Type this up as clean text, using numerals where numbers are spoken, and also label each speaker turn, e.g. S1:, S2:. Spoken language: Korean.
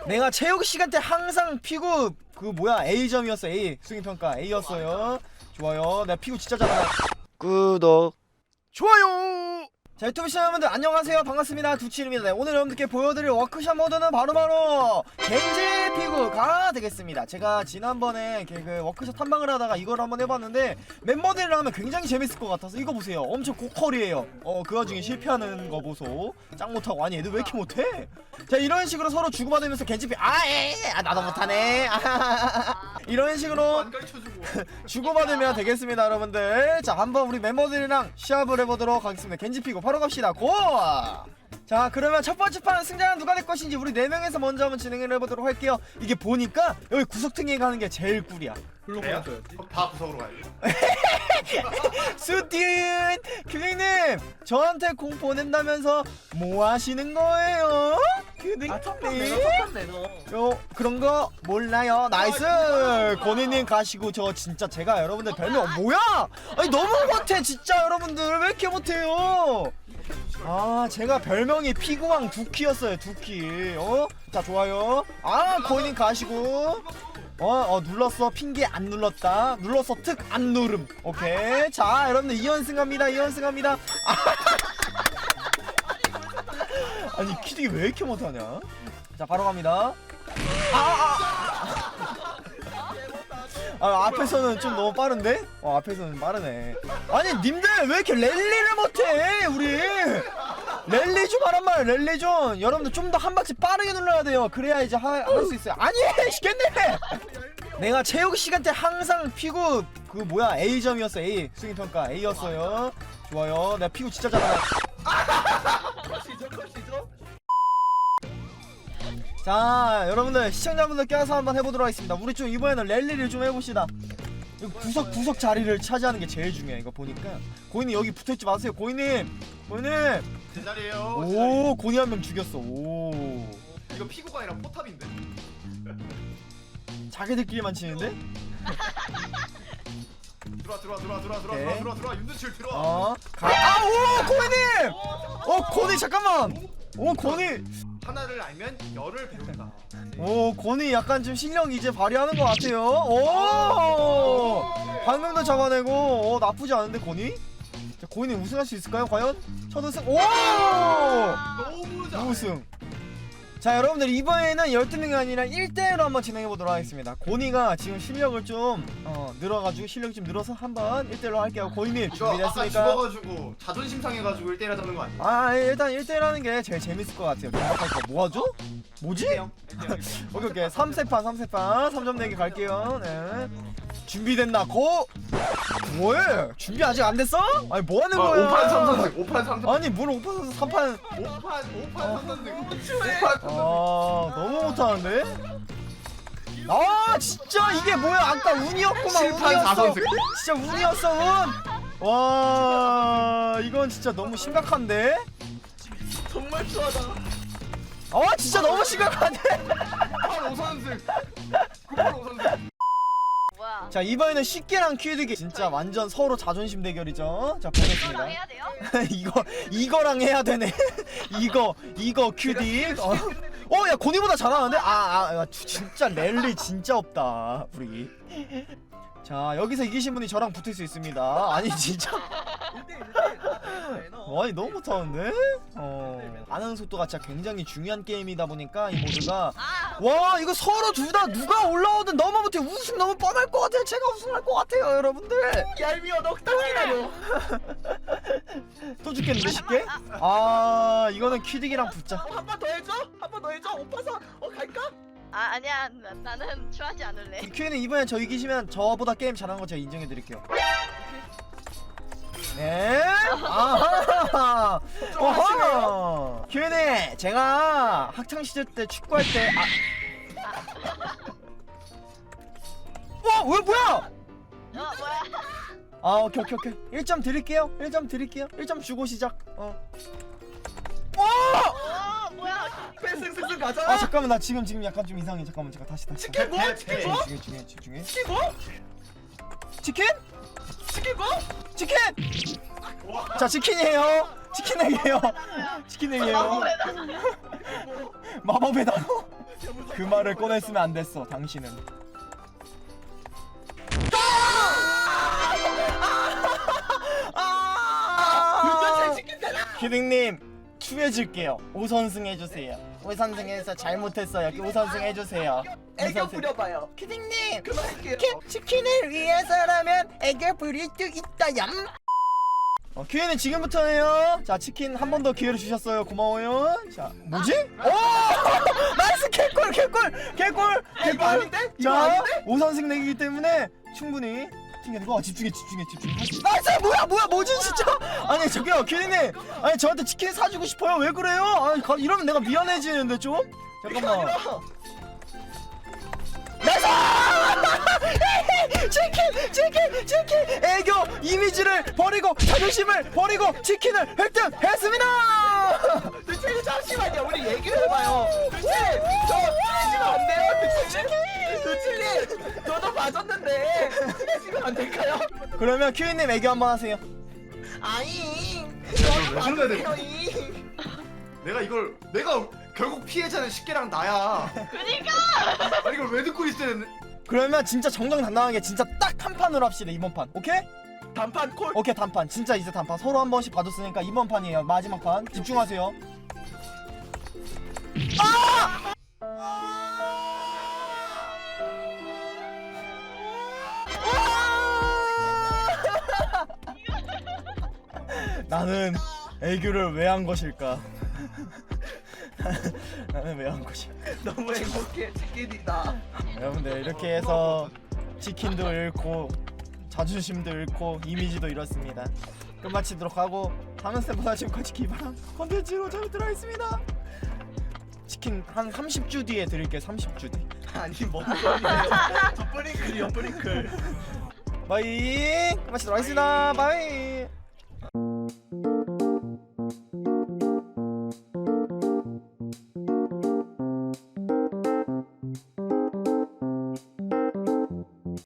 S1: 내가 체육 시간 때 항상 피구 그 뭐야 A점이었어. A 수행평가 A였어요. 좋아요. 내가 피구 진짜 잘하나. 구독 좋아요. 자, 유튜브 시청자분들 안녕하세요. 반갑습니다. 두치입니다. 네, 오늘 여러분들께 보여드릴 워크샵 모드는 바로 겐지 피구가 되겠습니다. 제가 지난번에 그 워크샵 탐방을 하다가 이걸 한번 해봤는데 멤버들이랑 하면 굉장히 재밌을 것 같아서 이거 보세요. 엄청 고퀄이에요. 그 와중에 실패하는 거 보소. 짱 못하고. 아니 애들 왜 이렇게 못해? 자, 이런 식으로 서로 주고받으면서 겐지 피 나도 못하네. 이런 식으로 주고받으면 되겠습니다, 여러분들. 자, 한번 우리 멤버들이랑 시합을 해보도록 하겠습니다. 겐지 피구 바로 갑시다. 고! 자, 그러면 첫 번째 판 승자는 누가 될 것인지 우리 4명에서 먼저 한번 진행을 해보도록 할게요. 이게 보니까 여기 구석탱이 가는 게 제일 꿀이야.
S2: 그래요? 다 구석으로 가요.
S1: 수딘! 규닝님! 저한테 공 보낸다면서 뭐 하시는 거예요? 규닝님? 그런 거 몰라요. 나이스! 고니님 가시고 저 진짜 제가 여러분들 별명 뭐야? 아니 너무 못해 진짜 여러분들 왜 이렇게 못해요? 아, 제가 별명이 피구왕 두키였어요. 두키. 자, 좋아요. 고니님 가시고 눌렀어. 핑계 안 눌렀다. 눌렀어. 특 안 누름. 오케이. 자, 여러분들 2연승 합니다. 2연승 합니다. 아니, 키드기 왜 이렇게 못하냐? 자, 바로 갑니다. 앞에서는 좀 너무 빠른데? 앞에서는 빠르네. 아니, 님들 왜 이렇게 랠리를 못해? 우리 랠리 좀 하란 말. 랠리 좀. 여러분들 좀 더 한 박자 빠르게 눌러야 돼요. 그래야 이제 할 수 있어요. 아니, 시켰네. 내가 체육 시간 때 항상 피구 그 뭐야 A점이었어. A 수행평가 A였어요. 좋아요. 내가 피구 진짜 잘하나. 자, 여러분들 시청자분들 껴서 한번 해보도록 하겠습니다. 우리 좀 이번에는 랠리를 좀 해봅시다. 구석 자리를 차지하는 게 제일 중요해. 이거 보니까 고인님 여기 붙어있지 마세요. 고인님
S2: 제 자리에요.
S1: 오, 고니 한 명 죽였어. 오,
S2: 이거 피구가 아니라 포탑인데.
S1: 자기들끼리만 치는데?
S2: 들어와 윤두칠 들어와.
S1: 오, 고인님! 고니 잠깐만. 고니.
S2: 하나를 알면 열을 배운다.
S1: 고니 약간 좀 실력 이제 발휘하는 것 같아요. 오, 방금도 잡아내고. 나쁘지 않은데 고니? 자, 고니 우승할 수 있을까요 과연? 첫 우승. 오,
S2: 너무 잘해.
S1: 우승. 자, 여러분들 이번에는 12명이 아니라 1대1로 한번 진행해보도록 하겠습니다. 고니가 지금 실력을 좀 늘어가지고 실력이 좀 늘어서 한번 1대1로 할게요. 고니님
S2: 이거 아까
S1: 준비됐습니까?
S2: 죽어가지고 자존심 상해가지고 1대1 하자는 거 아니야?
S1: 일단 1대1 하는 게 제일 재밌을 것 같아요. 뭐 하죠? 뭐지? 오케이 3세판 3점 내기 갈게요. 네. 준비됐나? 뭐해? 준비 아직 안 됐어? 아니 뭐 하는 거야?
S2: 5판 3선승 5판 3선승
S1: 아니 뭘 5판 3판
S2: 5판 3선승 5판
S1: 너무 못하는데? 진짜 이게 뭐야? 아까 운이었구만.
S2: 7판
S1: 운이었어.
S2: 4선승
S1: 진짜 운이었어 운. 와, 이건 진짜 너무 심각한데?
S2: 정말 추하다.
S1: 진짜 너무 심각한데?
S2: 9판 5선승 9판 5선승.
S3: 뭐야?
S1: 자, 이번에는 쉽게랑 퀴드기 진짜 완전 서로 자존심 대결이죠. 자, 보겠습니다.
S3: 이거랑 해야 돼요?
S1: 이거랑 해야 되네. 이거 퀴디. 야, 고니보다 잘하는데? 진짜 랠리 진짜 없다 우리. 자, 여기서 이기신 분이 저랑 붙을 수 있습니다. 아니 진짜. 아니 너무 못하는데? 반응 속도가 진짜 굉장히 중요한 게임이다 보니까 이 모드가. 와, 이거 서로 둘 다 누가 올라오든 너무 못해. 우승 너무 뻔할 것 같아요. 제가 우승할 것 같아요 여러분들.
S2: 얄미워 넉달 기다려.
S1: 또 죽겠는데 쉽게? 이거는 퀴딕이랑 붙자.
S4: 한 번 더 해줘? 한 번 더 해줘? 오빠서 갈까?
S3: 아니야. 나는 취하지 않을래.
S1: 퀴는 이번에 저 이기시면 저보다 게임 잘하는 거 제가 인정해드릴게요. 네? 아하! 어허! 퀴는 제가 학창시절 때 축구할 때 왜 뭐야?
S3: 뭐야?
S1: 오케이 1점 드릴게요. 1점 주고 시작.
S3: 뭐야?
S4: 승승승 가자.
S1: 잠깐만 나 지금 약간 좀 이상해. 잠깐만 제가 다시
S4: 치킨 뭐? 치킨 뭐?
S1: 중에
S4: 치킨 뭐?
S1: 치킨?
S4: 치킨 뭐?
S1: 치킨! 자, 치킨이에요. 치킨에게요. 마법의 단어. 그 말을 꺼냈으면 안 됐어. 당신은.
S4: 윤전 치킨 되나?
S1: 키딩님 추해줄게요. 5선승 해주세요. 5선승에서 잘못했어요. 5선승 해주세요.
S4: 애교 부려봐요.
S1: 키딩님
S4: 그만할게요.
S1: 치킨을 위해서라면 애교 부릴 수 있다요. 큐에는 지금부터예요. 자 치킨 한 번 더 기회를 주셨어요. 고마워요. 자 뭐지? 오 나이스 개꿀 개꿀.
S4: 이거 아닌데? 이거
S1: 자
S4: 아닌데?
S1: 5선승 내기이기 때문에 충분히 튕겨내고 집중해. 나이스 뭐지 진짜? 아니 저기요 큐에님 아니 저한테 치킨 사주고 싶어요. 왜 그래요? 아니 이러면 내가 미안해지는데 좀. 잠깐만. 나이스! 치킨! 애교 이미지를 버리고 자존심을 버리고 치킨을 획득했습니다!
S4: 대체 잠시만요. 우리 얘기를 해봐요. 대체 저 친해지면 안 돼요? 대체 저도 봐줬는데 친해지면 안 될까요?
S1: 그러면 큐이님 애교 한번 하세요.
S4: 아잉.
S2: 왜 그래야 돼?
S4: 봐줘요.
S2: 내가 결국 피해자는 식계랑 나야.
S3: 그니까.
S2: 아니 이걸 왜 듣고 있어야 되는?
S1: 그러면 진짜 정정당당하게 진짜 딱 한 판으로 합시다. 이번 판 오케이?
S4: 단판 콜.
S1: 오케이 단판 진짜 이제 단판 서로 한 번씩 봐줬으니까 이번 판이에요. 마지막 판 집중하세요. 나는 애교를 왜 한 것일까? 나는 왜 한 것일까?
S4: 너무 행복해. 치킨이다.
S1: 여러분들 이렇게 해서 치킨도 잃고 자존심도 잃고 이미지도 잃었습니다. 끝마치도록 하고 다음 스텝보다 지금까지 기발한 컨텐츠로 저희들 하겠습니다. 치킨 한 30주 뒤에 드릴게요. 30주 뒤.
S4: 아니 뭔 소리예요? 저 뿌링클이요 뿌링클.
S1: 바이. 끝마치도록 하겠습니다. 바이.